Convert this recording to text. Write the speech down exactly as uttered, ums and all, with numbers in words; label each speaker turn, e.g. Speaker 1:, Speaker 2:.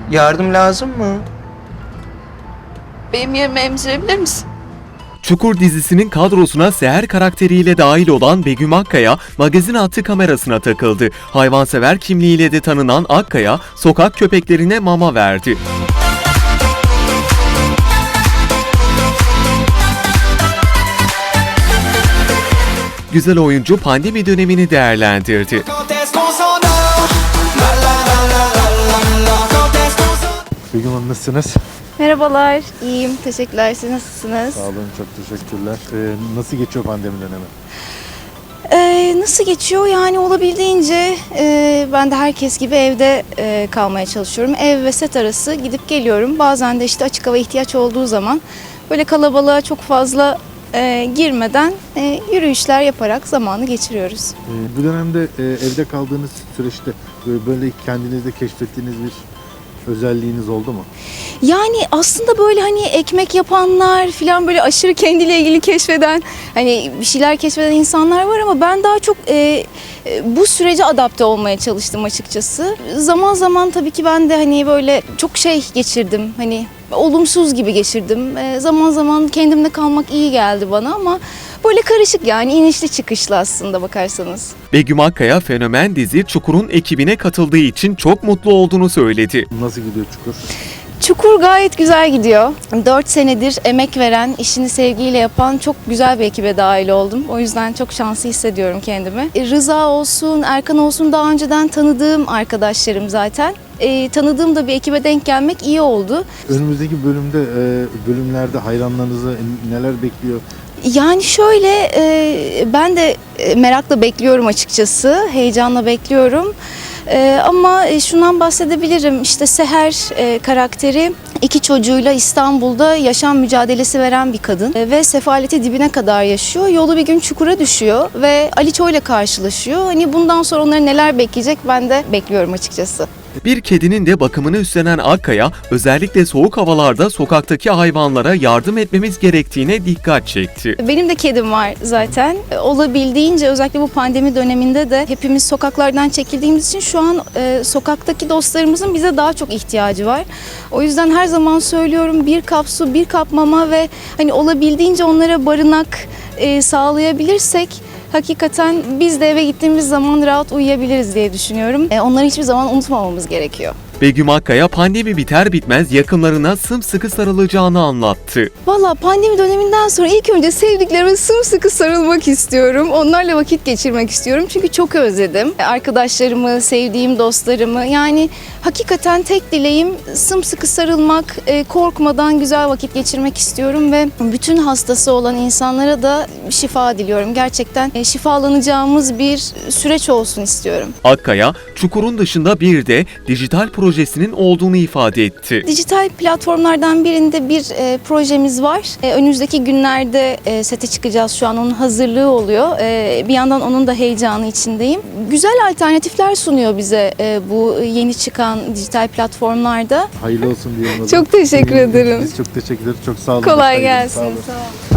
Speaker 1: Yardım lazım mı?
Speaker 2: Benim yerime emzirebilir misin?
Speaker 3: Çukur dizisinin kadrosuna Seher karakteriyle dahil olan Begüm Akkaya, magazin hattı kamerasına takıldı. Hayvansever kimliğiyle de tanınan Akkaya, sokak köpeklerine mama verdi. Güzel oyuncu pandemi dönemini değerlendirdi.
Speaker 4: Begüm Hanım nasılsınız?
Speaker 2: Merhabalar, iyiyim. Teşekkürler. Siz nasılsınız?
Speaker 4: Sağ olun, çok teşekkürler. Ee, nasıl geçiyor pandemi dönemi?
Speaker 2: Ee, nasıl geçiyor? Yani olabildiğince e, ben de herkes gibi evde e, kalmaya çalışıyorum. Ev ve set arası gidip geliyorum. Bazen de işte açık hava ihtiyaç olduğu zaman böyle kalabalığa çok fazla e, girmeden e, yürüyüşler yaparak zamanı geçiriyoruz.
Speaker 4: Ee, bu dönemde e, evde kaldığınız süreçte böyle, böyle kendinizde keşfettiğiniz bir özelliğiniz oldu mu?
Speaker 2: Yani aslında böyle hani ekmek yapanlar falan böyle aşırı kendiyle ilgili keşfeden hani bir şeyler keşfeden insanlar var ama ben daha çok e, e, bu sürece adapte olmaya çalıştım açıkçası. Zaman zaman tabii ki ben de hani böyle çok şey geçirdim hani olumsuz gibi geçirdim. E, zaman zaman kendimde kalmak iyi geldi bana ama böyle karışık yani inişli çıkışlı aslında bakarsanız.
Speaker 3: Begüm Akkaya, Fenomen dizi Çukur'un ekibine katıldığı için çok mutlu olduğunu söyledi.
Speaker 4: Nasıl gidiyor Çukur?
Speaker 2: Çukur gayet güzel gidiyor. dört senedir emek veren, işini sevgiyle yapan çok güzel bir ekibe dahil oldum. O yüzden çok şanslı hissediyorum kendimi. Rıza olsun, Erkan olsun daha önceden tanıdığım arkadaşlarım zaten. E, tanıdığım da bir ekibe denk gelmek iyi oldu.
Speaker 4: Önümüzdeki bölümde, e, bölümlerde hayranlarınızı neler bekliyor?
Speaker 2: Yani şöyle e, ben de e, merakla bekliyorum açıkçası, heyecanla bekliyorum. E, ama e, şundan bahsedebilirim işte Seher e, karakteri iki çocuğuyla İstanbul'da yaşam mücadelesi veren bir kadın e, ve sefaleti dibine kadar yaşıyor. Yolu bir gün çukura düşüyor ve Aliço ile karşılaşıyor. Hani bundan sonra onları neler bekleyecek ben de bekliyorum açıkçası.
Speaker 3: Bir kedinin de bakımını üstlenen Akkaya, özellikle soğuk havalarda sokaktaki hayvanlara yardım etmemiz gerektiğine dikkat çekti.
Speaker 2: Benim de kedim var zaten. Olabildiğince özellikle bu pandemi döneminde de hepimiz sokaklardan çekildiğimiz için şu an e, sokaktaki dostlarımızın bize daha çok ihtiyacı var. O yüzden her zaman söylüyorum bir kap su, bir kap mama ve hani olabildiğince onlara barınak e, sağlayabilirsek hakikaten biz de eve gittiğimiz zaman rahat uyuyabiliriz diye düşünüyorum. E, onları hiçbir zaman unutmamamız gerekiyor.
Speaker 3: Begüm Akkaya pandemi biter bitmez yakınlarına sımsıkı sarılacağını anlattı.
Speaker 2: Valla pandemi döneminden sonra ilk önce sevdiklerime sımsıkı sarılmak istiyorum. Onlarla vakit geçirmek istiyorum çünkü çok özledim. Arkadaşlarımı, sevdiğim dostlarımı yani hakikaten tek dileğim sımsıkı sarılmak, korkmadan güzel vakit geçirmek istiyorum ve bütün hastası olan insanlara da şifa diliyorum. Gerçekten şifalanacağımız bir süreç olsun istiyorum.
Speaker 3: Akkaya, Çukur'un dışında bir de dijital projesinin olduğunu ifade etti.
Speaker 2: Dijital platformlardan birinde bir e, projemiz var. E, önümüzdeki günlerde e, sete çıkacağız. Şu an onun hazırlığı oluyor. E, bir yandan onun da heyecanı içindeyim. Güzel alternatifler sunuyor bize e, bu yeni çıkan dijital platformlarda.
Speaker 4: Hayırlı olsun diyelim.
Speaker 2: Çok teşekkür ederim.
Speaker 4: Biz çok teşekkür ederiz. Çok sağ olun.
Speaker 2: Kolay
Speaker 4: Sağ olun.
Speaker 2: gelsin.
Speaker 4: Sağ olun.
Speaker 2: Sağ olun.